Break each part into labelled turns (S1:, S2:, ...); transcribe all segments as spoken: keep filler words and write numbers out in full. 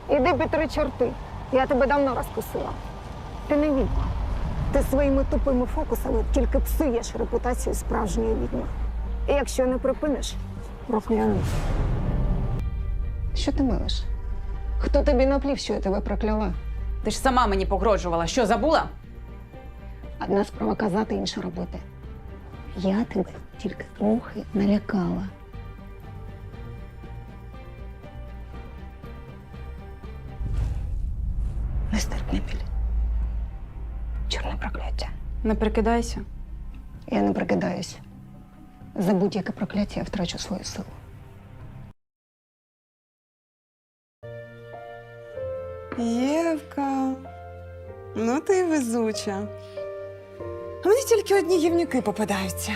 S1: Іди під три чорти. Я тебе давно розкусила. Ти не відьма. Ти своїми тупими фокусами тільки псуєш репутацію справжньої відьми. І якщо не припиниш, прокляну. Що ти милиш? Хто тобі наплів, що я тебе прокляла?
S2: Ти ж сама мені погрожувала. Що, забула?
S1: Одна справа казати, інша робити. Я тебе тільки трохи налякала. Нестерпний біль. Чорне прокляття.
S2: Не прикидайся.
S1: Я не прикидаюсь. За будь-яке прокляття я втрачу свою силу.
S3: Євка, ну ти й везуча. А мені тільки одні гівнюки попадаються.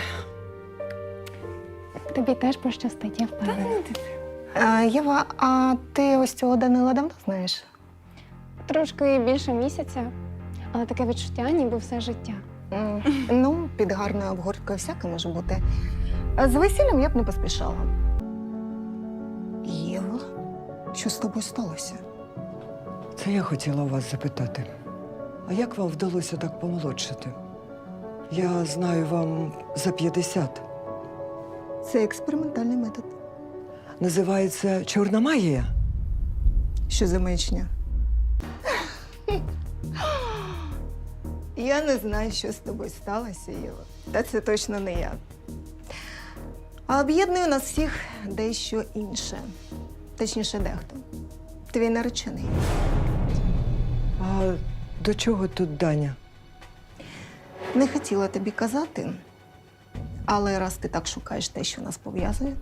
S4: Тобі теж пощастить, я впевнена.
S1: А, Єва, а ти ось цього Данила давно знаєш?
S4: Трошки більше місяця, але таке відчуття, ніби все життя.
S1: М, Ну, під гарною обгорткою всяке може бути. А з весіллям я б не поспішала. Єва, що з тобою сталося?
S5: Це я хотіла у вас запитати. А як вам вдалося так помолодшити? Я знаю вам за п'ятдесят.
S1: Це експериментальний метод.
S5: Називається чорна магія.
S1: Що за маячня? Я не знаю, що з тобою сталося, Єва. Та це точно не я. А об'єднує нас всіх дещо інше. Точніше, дехто. Твій наречений.
S5: А до чого тут Даня?
S1: Не хотіла тобі казати, але раз ти так шукаєш те, що нас пов'язує.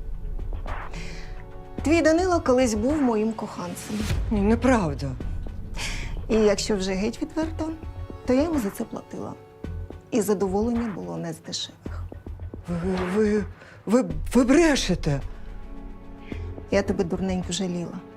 S1: Твій Данило колись був моїм коханцем.
S5: Ні, неправда.
S1: І якщо вже геть відверто, то я йому за це платила. І задоволення було не з дешевих.
S5: Ви, ви, ви, ви брешете.
S1: Я тебе дурненько жаліла.